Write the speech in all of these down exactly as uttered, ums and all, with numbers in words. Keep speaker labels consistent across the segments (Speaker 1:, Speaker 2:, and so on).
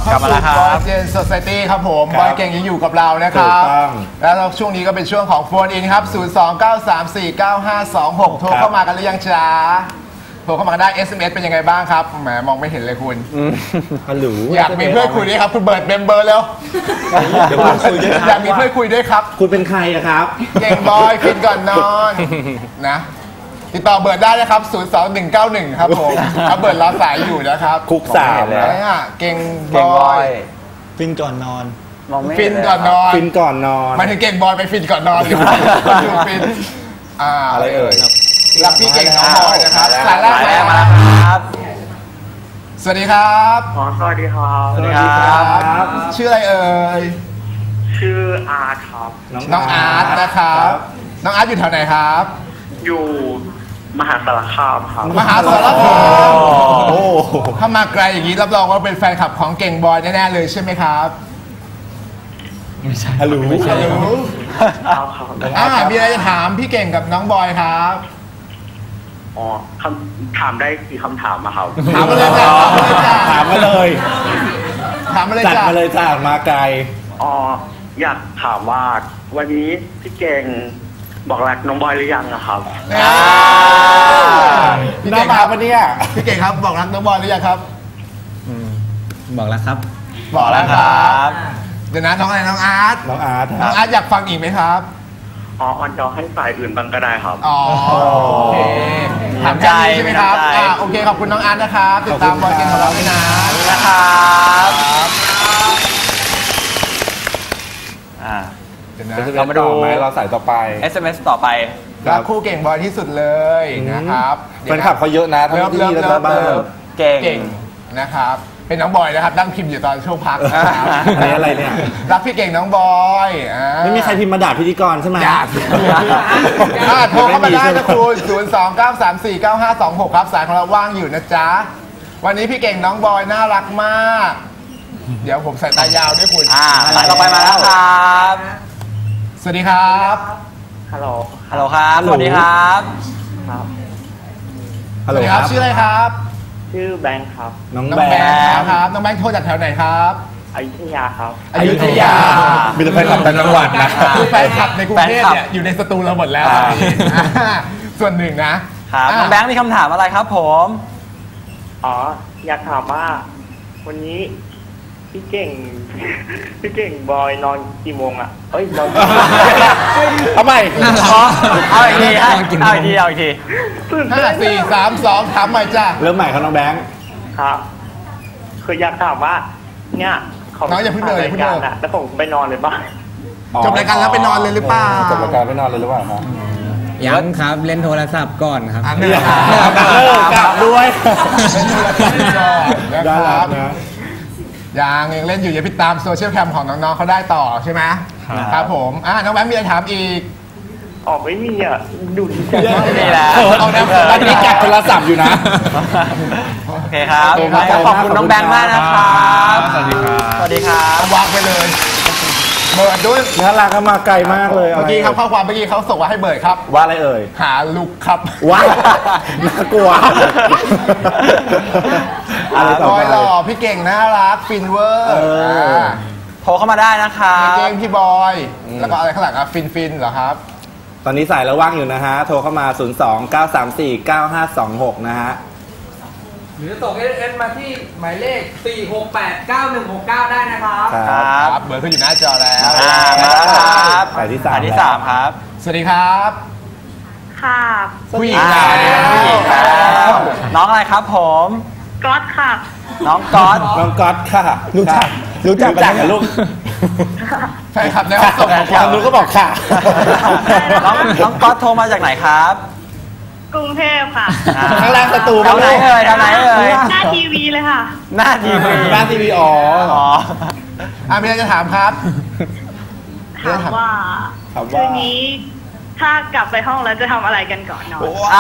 Speaker 1: เข้าสู่บอยเจนโซไซตี้ครับผมบอยเก่งยังอยู่กับเรานะครับแล้วช่วงนี้ก็เป็นช่วงของโฟนอินครับศูนย์ สอง เก้า สาม สี่ เก้า ห้า สอง หกโทรเข้ามากันหรือยังจ้าโทรเข้ามาได้ เอส เอ็ม เอส เป็นยังไงบ้างครับแหมมองไม่เห็นเลยคุณฮัลโหลอยากมีเพื่อนคุยด้วยครับคุณเบิร์ดเมมเบอร์แล้วเดี๋ยวคุยด้วยอยากมีเพื่อนคุยด้วยครับ
Speaker 2: คุณเป็นใครอะครับ
Speaker 1: เก่งบอยฟินก่อนนอนนะติดต่อเบิร์ดได้นะครับศูนย์ สอง หนึ่ง เก้า หนึ่งครับผมเบิร์ดรอสายอยู่นะครับ
Speaker 2: คุกสาม
Speaker 1: เลยเก่งบอย
Speaker 3: ฟินก่อนนอน
Speaker 1: ฟินก่อนนอน
Speaker 2: ฟินก่อนนอน
Speaker 1: มาถึงเก่งบอยไปฟินก่อนนอนอยู่ฟิน
Speaker 2: อะไรเอ่ย
Speaker 1: รับพี่เก่งน้องบอยนะครับสายแรก
Speaker 3: มาแล้วครับ
Speaker 1: สวัสดีครับ
Speaker 4: อ๋อสวัสดีครับ
Speaker 1: สวัสดีครับชื่ออะไรเอ่ย
Speaker 4: ชื่ออาร์ตครับ
Speaker 1: น้องอาร์ตนะครับน้องอาร์ตอยู่แถวไหนครับ
Speaker 4: อยู่มหาสารคามครับ
Speaker 1: มหาสารคามโอ้ถ้ามาไกลอย่างนี้รับรองว่าเป็นแฟนคลับของเก่งบอยแน่ๆเลยใช่ไหมครับ
Speaker 3: ไม่ใช่
Speaker 2: ฮัลโหล
Speaker 1: ฮัลโหลอ่ามีอะไรจะถามพี่เก่งกับน้องบอยครับ
Speaker 4: อ๋อคำถามได้กี่คำถามมาครับ
Speaker 1: ถามมาเลยจ้ะ
Speaker 2: ถามมาเลย
Speaker 1: ถามมาเลย
Speaker 2: จัดมาเลยจ้ามาไกล
Speaker 4: อ๋ออยากถามว่าวันนี้พี่เก่งบอกรักน้องบอยหรือยังนะครับ
Speaker 1: พี่เก่งครับวันนี้พี่เก่งครับบอกรักน้องบอยหรือยังครับ
Speaker 3: บอกแล้วครับ
Speaker 1: บอกแล้วครับเดี๋ยวนะน้องอะไรน้องอาร์ต
Speaker 2: น้องอาร์ต
Speaker 1: น้องอาร์ตอยากฟังอีกไหมครับ
Speaker 4: อ๋อออนจอให้ฝ่ายอื่นบ้างก็ได้ครับ
Speaker 1: อ๋อโอเคถามใจใช่ไหมครับอ่าโอเคขอบคุณน้องอาร์ตนะครับติดตามบอยเก่งของเราด้วยนะ
Speaker 3: นะครับอ่า
Speaker 2: เรามาดูเราใส่ต่อไป
Speaker 3: เอส เอ็ม เอส ต่อไป
Speaker 1: รักคู่เก่งบอยที่สุดเลยนะครับ
Speaker 2: แฟนคลับเขาเยอะนะทั้งที่และทั้งบ้าน
Speaker 1: เก่งนะครับเป็นน้องบอยนะครับนั่งพิมพ์อยู่ตอนช่วงพัก
Speaker 2: อันนี้อะไรเนี่ย
Speaker 1: รักพี่เก่งน้องบอย
Speaker 2: ไม่มีใครพิมพ์มาด่าพิธีกรใช่ไหม
Speaker 1: อยากโทรเข้ามาได้นะคุณศูนย์ สอง เก้า สาม สี่ เก้า ห้า สอง หกครับสายของเราว่างอยู่นะจ๊ะวันนี้พี่เก่งน้องบอยน่ารักมากเดี๋ยวผมใส่ตายาวด้วยคุณ
Speaker 3: อ่าสายต่อไปมาแล้วครับ
Speaker 1: สวัสดีครับ
Speaker 4: ฮัลโหล
Speaker 3: ฮัลโหลครับสวัสดีครับ
Speaker 4: ครับ
Speaker 1: ฮัลโหลครับชื่ออะไรครับ
Speaker 4: ชื่อแบงค์ครับ
Speaker 1: น้องแบงค์ครับน้องแบงค์โทรจากแถวไหนครับ
Speaker 4: อยุธยาครับ
Speaker 1: อยุธยา
Speaker 2: มีแต่แฟนคลับต่างจังหวัดนะ
Speaker 1: คือแฟนคลับในกรุงเทพเนี่ยอยู่ในสตูเราหมดแล้วส่วนหนึ่งนะครับ
Speaker 3: น้องแบงค์มีคำถามอะไรครับผม
Speaker 4: อ๋ออยากถามว่าวันนี้พี่เก่งพี่เก่งบอยนอนกี่โมงอ่ะเอ้ยนอน
Speaker 2: ทำไม
Speaker 3: เอาอีกทีเอาอีกทีเอาอีกทีเอาอีกที
Speaker 1: ห้าสี่สามสองถามใหม่จ้า
Speaker 2: เริ่มใหม่ครับน้องแบงค์
Speaker 4: ครับคืออยากถามว่าเนี่ย
Speaker 1: น้องอย่าเพิ่งเดินอย่าเพิ่งเดิน
Speaker 4: แล้วผมไปนอนเลยป่ะ
Speaker 1: จบรายการแล้วไปนอนเลยหรือเปล่า
Speaker 2: จบรายการไปนอนเลยหรือเปล่าครับ
Speaker 3: ยังครับเล่นโทรศัพท์ก่อนครับ
Speaker 1: เลิก
Speaker 2: กลับด้วย
Speaker 1: เล่นโทรศัพท์ก่อนนะครับยังยังเล่นอยู่อย่าไปตามโซเชียลแคมของน้องๆเขาได้ต่อใช่ไหมครับผมอ่าน้องแบงค์มีอะไรถามอีก
Speaker 4: อ๋อไม่มีอ่ะดูดีจัง
Speaker 3: ไม่มีแล้ว
Speaker 1: เอาแนว
Speaker 2: อันนี้จัดโทรศัพท์อยู่นะ
Speaker 3: โอเคครับขอบคุณน้องแบงค์มากนะครับ
Speaker 1: สวัสดีครับ
Speaker 3: สวัสดีครับ
Speaker 1: วางไปเลยเบิร์ดด้วย
Speaker 2: น่ารักมาไกลมากเลย
Speaker 1: เมื่อกี้ครับข้อความเมื่อกี้เขาส่งมาให้เบิร์ดครับ
Speaker 2: ว่าอะไรเอ่ย
Speaker 1: หาลุกครับ
Speaker 2: ว้าน่ากลัว
Speaker 1: อะไรต่อไปหล่อพี่เก่งน่ารักฟินเวอร์
Speaker 3: โทรเข้ามาได้นะครับ
Speaker 1: พี่เก่งพี่บอยแล้วก็อะไรข้างหลังอ่ะฟินฟินเหรอครับ
Speaker 2: ตอนนี้สายแล้วว่างอยู่นะฮะโทรเข้ามาศูนย์ สอง เก้า สาม สี่ เก้า ห้า สอง หกนะฮะ
Speaker 5: หรือส่ง เอส เอ็ม มาที่หมายเลขสี่ หก แปด เก้า หนึ่ง หก เก้าได้นะครับ
Speaker 1: ครับเบอร์ขึ้นอยู่หน้าจอแล้ว
Speaker 3: มาแล้วครับ
Speaker 2: สายที่สาม
Speaker 3: สายที่สามครับ
Speaker 1: สวัสดีครับ
Speaker 4: ค่ะ
Speaker 1: ผู้หญิง
Speaker 3: แล้วน้องอะไรครับผม
Speaker 4: ก๊อตค่ะ
Speaker 3: น้องก๊อต
Speaker 2: น้องก๊อตค่ะรู้จักรู้จักกันลูก
Speaker 1: แฟนคลับในห้องส่งของ
Speaker 2: ความรู้ก็บอกค่ะ
Speaker 3: น้องน้องก๊อตโทรมาจากไหนครับ
Speaker 4: กรุงเทพค่ะ
Speaker 2: ข้างล่างประตู
Speaker 3: ทางไหนเอ่ยทางไหนเอ่ย
Speaker 4: หน้าทีวีเลยค่ะ
Speaker 3: หน้าทีวี
Speaker 2: หน้าทีวีอ๋อ
Speaker 3: อ๋อ
Speaker 1: อ่ะมีอะไรจะถามครับ
Speaker 4: ถามว่าคืนนี้ถ้ากลับไปห้องแล้วจะทำอะไรกันก่อนนอน
Speaker 3: อ่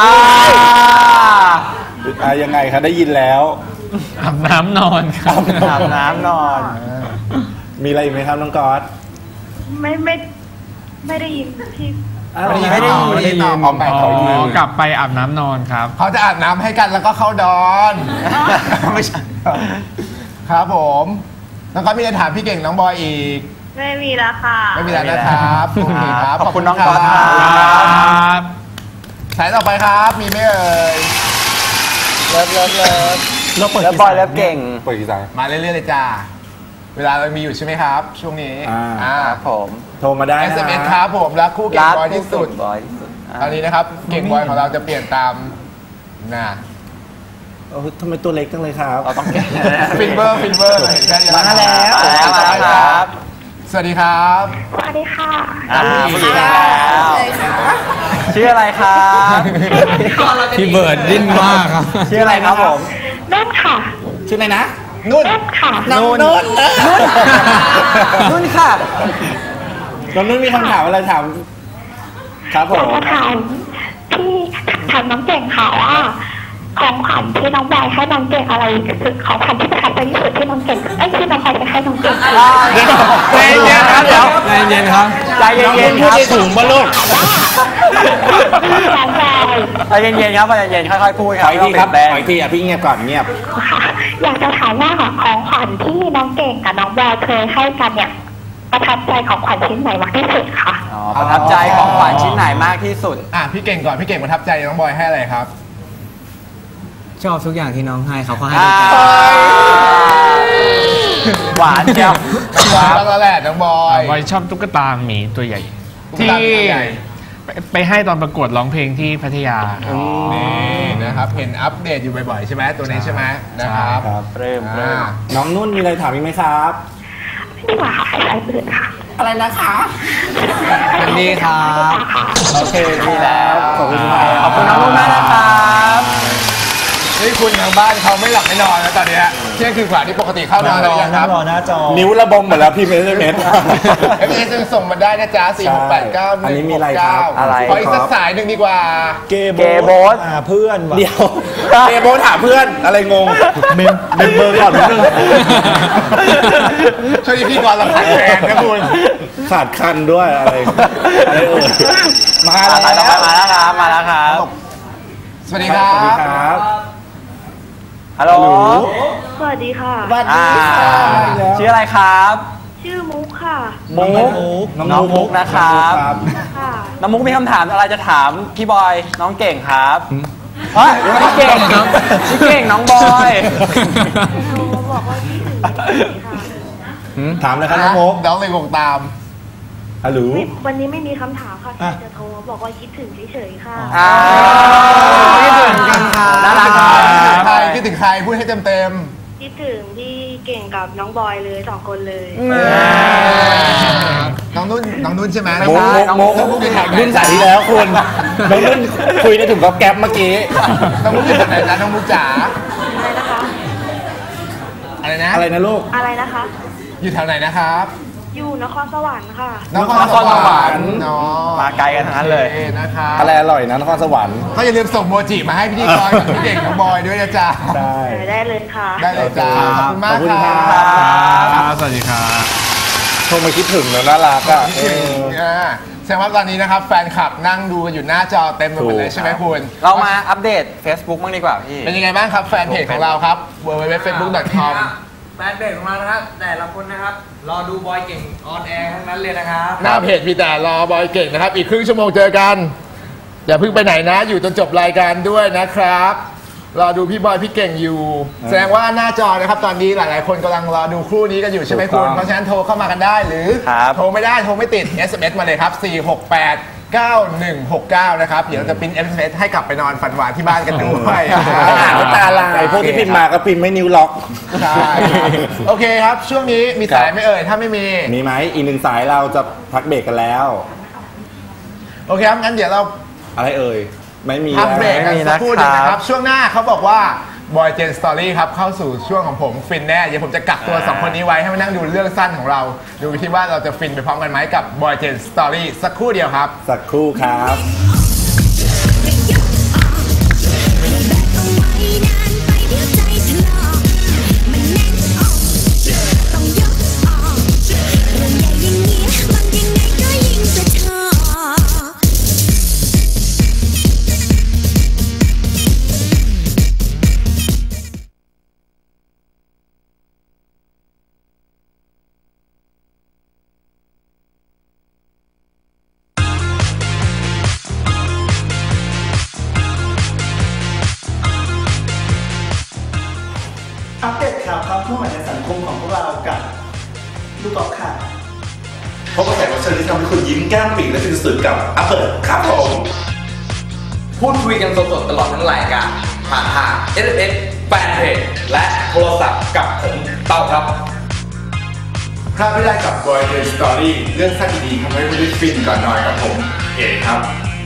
Speaker 2: ายังไงคะได้ยินแล้ว
Speaker 3: อาบน้ำนอนครับอาบน้ำนอน
Speaker 2: มีอะไรอีกไหมครับน้องก๊อต
Speaker 4: ไม่ไม่ไม่ได้ยินพี่
Speaker 1: ไม่ได้ยินไม่ได้ยินพร้อมไปเขายิน
Speaker 3: กลับไปอาบน้ำนอนครับ
Speaker 1: เขาจะอาบน้ำให้กันแล้วก็เข้าดอนไม่ใช่ครับผมน้องก๊อตมีอะไรถามพี่เก่งน้องบอยอีก
Speaker 6: ไม่มีแล้วค่ะ
Speaker 1: ไม่มีแล้วนะครับโอเคครับ
Speaker 3: ขอบคุณน้องก๊อตครับ
Speaker 1: สายต่อไปครับมีไหมเอ่ยเลิฟเลิฟเลิฟ
Speaker 2: เราเปิด
Speaker 3: แล้วบอยแล้วเก่ง
Speaker 2: เปิดกี่สาย
Speaker 1: มาเรื่อยๆเลยจ้าเวลาเรามีอยู่ใช่ไหมครับ ช่วงนี้
Speaker 2: อ่า
Speaker 1: อ่า
Speaker 3: ครับผม
Speaker 2: โทรมาได้
Speaker 1: เอ
Speaker 2: นะ
Speaker 1: ส เอ็ม เอส ครับผมรักคู่เก่งบอยที่สุด
Speaker 3: บอยที่สุด
Speaker 1: ตอนนี้นะครับเก่งบอยของเราจะเปลี่ยนตามน่ะ
Speaker 2: โอ้ทำไมตัวเล็กจังเลยครับ
Speaker 3: เราต้องแก้
Speaker 1: ฟินเบอร์ฟินเบอร์เห็นกัน
Speaker 2: มาแล้ว
Speaker 3: มาแล้วมาแล้วครับ
Speaker 1: สวัสดีครับ
Speaker 6: สวัสดีค่ะ
Speaker 3: อ่าผู้หญิงแล้วชื่ออะไรครับ
Speaker 5: พี่เบิร์ดดิ้นมากครับ
Speaker 3: ชื่ออะไรครับผม
Speaker 6: นุ่นค่ะ
Speaker 2: ชื่ออะไรนะ
Speaker 1: นุ่น
Speaker 6: นุ่นค่ะ
Speaker 2: น้องนุ่น
Speaker 3: นุ่นค่ะ
Speaker 2: น้องนุ่นมีคำถามอะไรถามครับผ
Speaker 6: อยาก
Speaker 2: ม
Speaker 6: จะถามที่ถามน้องเก่งค่ะว่าของขวัญที่น้องบอยให้น้องเก่งอะไรคือของขวัญที่ประทับใจที่สุดที่น้องเก่งไอ้ยที่น้องบอยจะให้น้องเก่ง
Speaker 3: ใจเย็นครับเดี๋ยว
Speaker 5: ใจเย็นครับ
Speaker 3: ใจเย็นๆครับ
Speaker 2: สูงป่ะลูก
Speaker 6: น้องบอย
Speaker 3: ใจเย็นๆครับใจเย็นๆค่อยๆพูด
Speaker 2: ขออีกทีครับขออีกทีอ่ะพี่เงียบก่อนเงียบ
Speaker 6: ค่ะอยากจะถามว่าของขวัญที่น้องเก่งกับน้องบอยเคยให้กันเนี่ยประทับใจของขวัญชิ้นไหนมากที่สุดคะ
Speaker 3: อ๋อประทับใจของขวัญชิ้นไหนมากที่สุด
Speaker 1: อ่ะพี่เก่งก่อนพี่เก่งประทับใจน้องบอยให้อะไรครับ
Speaker 5: ชอบทุกอย่างที่น้องให้เขาก็ให้
Speaker 3: อ่า
Speaker 5: ด้วยกัน
Speaker 3: หวานเชียว
Speaker 1: น้องบอยแล้วแหละน้องบอย
Speaker 7: บอยชอบตุ๊กตาหมีตัวใหญ่
Speaker 1: ตุ๊กตาหมีตัวใหญ่
Speaker 7: ไปไปให้ตอนประกวดร้องเพลงที่พัทยาครับ
Speaker 1: นี่นะครับเห็นอัปเดตอยู่บ่อยๆใช่ไหมตัวนี้ใช่ไหมนะครับ
Speaker 2: ครับ
Speaker 3: เริ่มเริ่
Speaker 1: อ่าม
Speaker 2: น้องนุ่นมีอะไรถามอีกไหมครับ
Speaker 6: ไม่ดีกว่าค่ะใช้ปืนค่ะ
Speaker 2: อะไรนะคะ
Speaker 5: สวัสดีครับ
Speaker 2: โอเคดีแล้ว ขอบคุณครับ
Speaker 3: ขอบคุณน้องนุ่นมากนะครับ
Speaker 1: นี่คุณทางบ้านเขาไม่หลับไม่นอนแล้วตอนเนี้ยเที่ยงคืนกว่าที่ปกติเข้านอนแล้วยังครับ
Speaker 2: นิ้วระบมหมดแล้วพี่เมสเมส
Speaker 1: เอฟเอสส่งมาได้นะจ๊ะสี่หกแปดเก้าห
Speaker 2: อัน
Speaker 1: นึ่
Speaker 2: นี้
Speaker 1: ง
Speaker 2: มี
Speaker 1: ห
Speaker 2: อะไร
Speaker 1: ก
Speaker 2: ครั
Speaker 1: เก้า
Speaker 2: บ
Speaker 3: อะไร
Speaker 1: ขออีกสักสายหนึ่งดีกว่า
Speaker 2: เกย์
Speaker 3: เกย์โบ๊ท
Speaker 2: เพื่อนเดียวเกย์โบสหาเพื่อนอะไรงงเมมเมมเบอร์ก่อนนิดนึง
Speaker 1: ช่วงนี้พี่กรเราขาดแฟนนะคุณ
Speaker 2: ขาดคันด้วยอะไรอะไรเอ่ยมา
Speaker 3: มา
Speaker 2: แล้ว
Speaker 3: แล้วมาแล้วครับมาแล้วครับ
Speaker 1: สวัสดีครั
Speaker 2: สวัสดี
Speaker 1: บ
Speaker 2: ครับ
Speaker 3: ฮัลโหล
Speaker 6: สวัสดีค่ะ
Speaker 2: สวัส
Speaker 3: อ่า
Speaker 2: ดีค่ะ
Speaker 3: ชื่ออะไรครับ
Speaker 6: ชื่อมุกค่ะ
Speaker 3: มุก น้องมุกนะครับ
Speaker 6: ค่ะ
Speaker 3: น้องมุกมีคำถามอะไรจะถามพี่บอยน้องเก่งครับเฮ้ยพี่เก่งพี่เก่งน้องบอย
Speaker 6: โทรบอกว่าคิดถึงค่ะ
Speaker 2: ถามเลยครับน้องโมก
Speaker 1: น้องเลยงงตาม
Speaker 2: ฮัลโหล
Speaker 6: วันนี้ไม่มีคำถามค่ะแค่จะโทรบอกว่าคิดถึงเฉยๆค่ะ
Speaker 3: อ่าคิดถึงกันครับน่ารักครั
Speaker 1: ใคร
Speaker 3: บ
Speaker 1: คิดถึงใครพูดให้เต็มเต็ม
Speaker 6: คิดถึงพี่เก่งกับน้องบอยเลยสองคนเลย
Speaker 1: น้องนุ่นน้องนุ่นใช่ไหม
Speaker 3: ไม่
Speaker 2: โม
Speaker 3: ใช่
Speaker 2: กโมกโมกรุ่นสายที่แล้วคุณน้องนุ่นคุยได้ถึงกับแก๊ปเมื่อกี้
Speaker 1: น้องมุกอยู่ที่ไหนนะน้องมุกจ๋า
Speaker 6: อะไรนะคะ
Speaker 1: อะไรนะ
Speaker 2: อะไรนะลูก
Speaker 6: อะไรนะคะ
Speaker 1: อยู่แถวไหนนะครับ
Speaker 6: อยู่นครสวรรค์ค่ะ
Speaker 1: นครสวรรค์เนาะ
Speaker 3: มาไกลกันทั้งนั้นเลย
Speaker 1: โอคนะครับ
Speaker 2: อะไรอร่อยนะนครสวรรค์
Speaker 1: ก็อย่าลืมส่งโมจิมาให้พี่ดีกรกับพี่เด็กน้องบอยด้วยนะจ๊ะ
Speaker 2: ได้
Speaker 6: ได้เลยค่ะ
Speaker 1: ได้เลยจ้าขอบคุณมาก
Speaker 2: ขอบคุณ
Speaker 1: ค
Speaker 2: ครั
Speaker 1: รับ
Speaker 7: สวัสดีครับ
Speaker 2: โทรมาคิดถึงแล้วน่ารักอ่ะ
Speaker 1: คิดถึงอ่าแสดงว่าตอนนี้นะครับแฟนคลับนั่งดูกันอยู่หน้าจอเต็มไปหมดเลยใช่ไหมคุณ
Speaker 3: เรามาอัปเดต Facebook บ้างดีกว่าพี่
Speaker 1: เป็นยังไงบ้างครับแฟนเพจของเราครับ ดับเบิลยู ดับเบิลยู ดับเบิลยู ดอท เฟซบุ๊ก ดอท คอม
Speaker 5: แฟนเพจของเรานะครับ แต่ละคนนะครับ รอดูบอยเก่งออนแอร์ทั้งนั้นเลยนะครับ
Speaker 1: หน้าเพจมีแต่รอบอยเก่งนะครับ อีกครึ่งชั่วโมงเจอกัน อย่าเพิ่งไปไหนนะ อยู่จนจบรายการด้วยนะครับ รอดูพี่บอยพี่เก่งอยู่ แสดงว่าหน้าจอนะครับตอนนี้หลายๆ คนกำลังรอดูคู่นี้กันอยู่ใช่ไหมคุณ เพราะฉะนั้นโทรเข้ามากันได้หรือ
Speaker 3: ครับ
Speaker 1: โทรไม่ได้โทรไม่ติด เอส เอ็ม เอส มาเลยครับ สี่หกแปด เก้าหนึ่งหกเก้า นะครับ เดี๋ยวเราจะพิมพ์ เอส เอ็ม เอส ให้กลับไปนอนฝันหวานที่บ้านกันด้วย
Speaker 2: อ่านไม่ตาลายพวกที่พิมพ์มาก็พิมพ์ไม่นิ้วล็อก
Speaker 1: ใช่ครับโอเคครับ ช่วงนี้มีสายไหม่เอ่ย ถ้าไม่มี
Speaker 2: มีไหมอีกหนึ่งสายเราจะพักเบรกกันแล้ว
Speaker 1: โอเคครับงั้นเดี๋ยวเรา
Speaker 2: อะไรเอ่ย ไม่มี
Speaker 1: พักเบรกกัน
Speaker 3: ไม่มี
Speaker 1: สักครู่หนึงนะค
Speaker 3: นะครั
Speaker 1: รับ
Speaker 3: บ
Speaker 1: ช่วงหน้าเขาบอกว่าบอยเจนสตอรี่ครับเข้าสู่ช่วงของผมฟินแน่เดี๋ยวผมจะกักตัวสองคนนี้ไว้ให้มานั่งดูเรื่องสั้นของเรา ดูที่ว่าเราจะฟินไปพร้อมกันไหมกับบอยเจนสตอรี่สักครู่เดียวครับ
Speaker 2: สักครู่ครับำให้คุณยิ้มแก้มปีและฟินสุดกับอัปเปิลครับผม
Speaker 5: พูดคุยกันสดๆตลอดทั้งรายการผ่านทาง เอส เอ็ม เอส แฟนเพจและโทรศัพท์กับผมเต้าครับ
Speaker 1: พลาดไม่ได้กับ Boy The Story เรื่องสั้นดีๆทำให้คุณได้ฟินก่อนนอนกับผมเอกครับ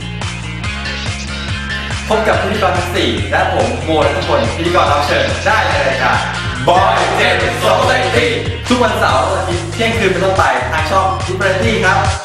Speaker 5: พบกับพิธีกรทั้งสี่และผมโมและทุกคนพิธีกรรับเชิญได้ในรายการ Boy The Story ทุกวันเสาร์อาทิตย์เที่ยงคืนเป็นต้นไปทางช่อง Different ครับ